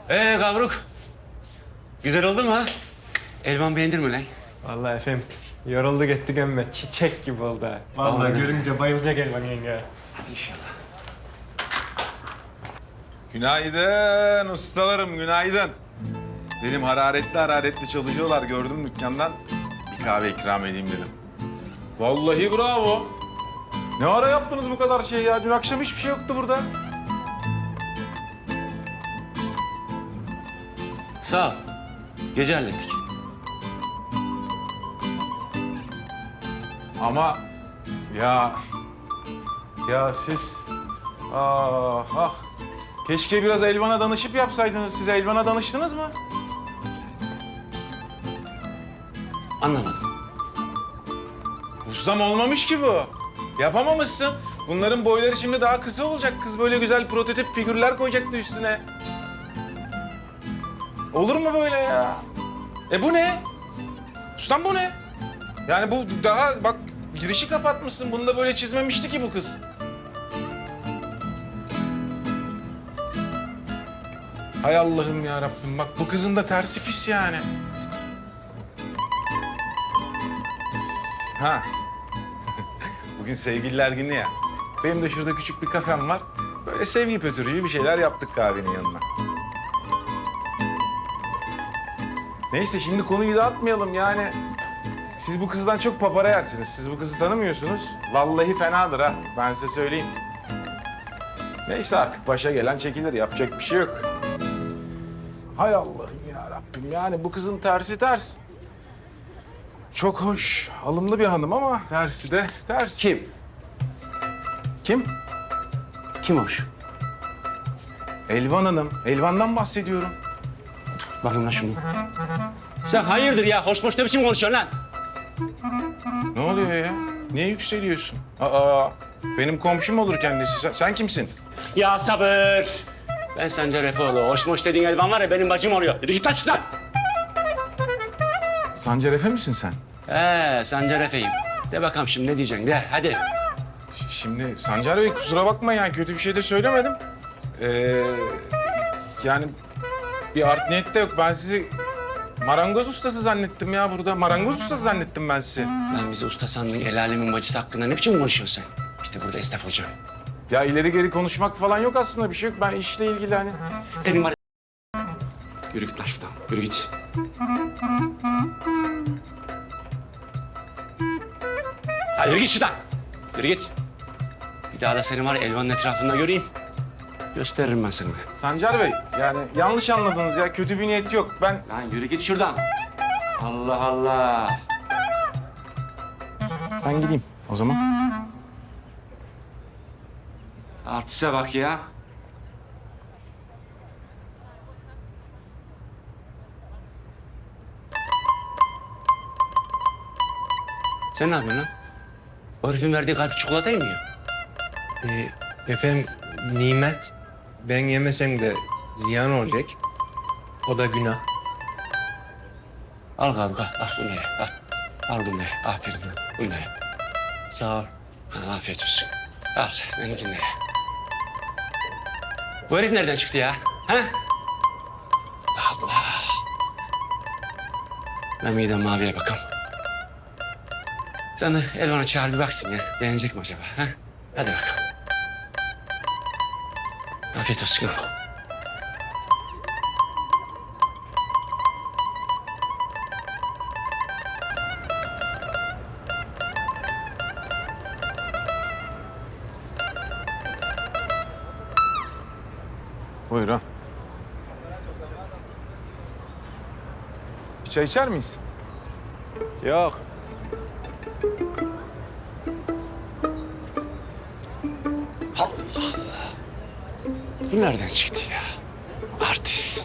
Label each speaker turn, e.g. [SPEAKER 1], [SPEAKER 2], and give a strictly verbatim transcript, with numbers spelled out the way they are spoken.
[SPEAKER 1] Ee Gavruk. Güzel oldu mu ha? Elvan beğendir mi lan?
[SPEAKER 2] Vallahi efendim yoruldu gittik emme çiçek gibi oldu ha. Vallahi
[SPEAKER 1] Vallahi.
[SPEAKER 2] görünce bayılacak Elvan yenge.
[SPEAKER 1] Hadi inşallah.
[SPEAKER 3] Günaydın ustalarım, günaydın. Dedim hararetli hararetli çalışıyorlar, gördüm dükkandan. Bir kahve ikram edeyim dedim. Vallahi bravo. Ne ara yaptınız bu kadar şey ya? Dün akşam hiçbir şey yoktu burada.
[SPEAKER 1] Sağ ol. Gece hallettik.
[SPEAKER 3] Ama ya... Ya siz... Ah ah. Keşke biraz Elvan'a danışıp yapsaydınız. Siz Elvan'a danıştınız mı?
[SPEAKER 1] Anlamadım.
[SPEAKER 3] Ustam olmamış ki bu. Yapamamışsın. Bunların boyları şimdi daha kısa olacak. Kız böyle güzel prototip figürler koyacaktı üstüne. Olur mu böyle ya? E bu ne? Ustam bu ne? Yani bu daha bak girişi kapatmışsın. Bunu da böyle çizmemişti ki bu kız. Hay Allah'ım ya Rabbim. Bak bu kızın da tersi pis yani. Ha. Bugün sevgililer günü ya. Benim de şurada küçük bir kafem var. Böyle sevgi pötürüğü bir şeyler yaptık kahvenin yanına. Neyse şimdi konuyu dağıtmayalım yani. Siz bu kızdan çok papara yersiniz. Siz bu kızı tanımıyorsunuz. Vallahi fenadır ha. Ben size söyleyeyim. Neyse artık başa gelen çekilir. Yapacak bir şey yok. Hay Allah'ım ya Rabbim. Yani bu kızın tersi ters. Çok hoş, alımlı bir hanım ama tersi de ters.
[SPEAKER 1] Kim?
[SPEAKER 3] Kim?
[SPEAKER 1] Kim hoş?
[SPEAKER 3] Elvan Hanım. Elvan'dan bahsediyorum.
[SPEAKER 1] Bakayım lan şunu. Sen hayırdır ya? Hoş boş ne biçim konuşuyorsun lan?
[SPEAKER 3] Ne oluyor ya? Niye yükseliyorsun? Aa, benim komşum olur kendisi. Sen, sen kimsin?
[SPEAKER 1] Ya sabır. Ben Sancar Efeoğlu. Hoş boş dediğin Elvan var ya benim bacım oluyor. Yürü git lan şuradan.
[SPEAKER 3] Sancar Efe misin sen?
[SPEAKER 1] Ee, Sancar Efe'yim. De bakalım şimdi ne diyeceksin de hadi.
[SPEAKER 3] Ş- Şimdi Sancar Bey kusura bakma yani kötü bir şey de söylemedim. Ee, yani bir art niyet de yok. Ben sizi marangoz ustası zannettim ya burada. Marangoz ustası zannettim ben sizi.
[SPEAKER 1] Lan bizi usta sandın el alemin bacısı hakkında ne biçim konuşuyorsun sen? İşte burada esnaf olacağım.
[SPEAKER 3] Ya ileri geri konuşmak falan yok aslında bir şey yok. Ben işle ilgili hani...
[SPEAKER 1] Senin var. Yürü git lan şuradan. Yürü git. Ha, yürü git şuradan. Yürü git. Bir daha da seni var ya Elvan'ın etrafında göreyim. Gösteririm ben sana.
[SPEAKER 3] Sancar Bey yani yanlış anladınız ya. Kötü bir niyeti yok. Ben
[SPEAKER 1] Lan yürü git şuradan. Allah Allah.
[SPEAKER 3] ben gideyim o zaman.
[SPEAKER 1] Artiste bak ya. Sen ne yapıyorsun lan? O herifin verdiği kalp çikolatayı mı yiyor?
[SPEAKER 2] Ee, efendim nimet ben yemesem de ziyan olacak. O da günah.
[SPEAKER 1] Al kanka, al bunu ye, al. Al bunu ye, aferin lan, bunu ye.
[SPEAKER 2] Sağ ol.
[SPEAKER 1] Ha, afiyet olsun. Al, benimkini de ye. Bu herif nereden çıktı ya? Ha? Allah. Ben midem maviye bakalım. Sen de Elvan'a çağır bir baksın ya. Beğenecek mi acaba? Ha? Hadi bakalım. Afiyet olsun.
[SPEAKER 3] Buyurun. Bir çay içer miyiz?
[SPEAKER 2] Yok.
[SPEAKER 1] Bu nereden çıktı ya? Artist.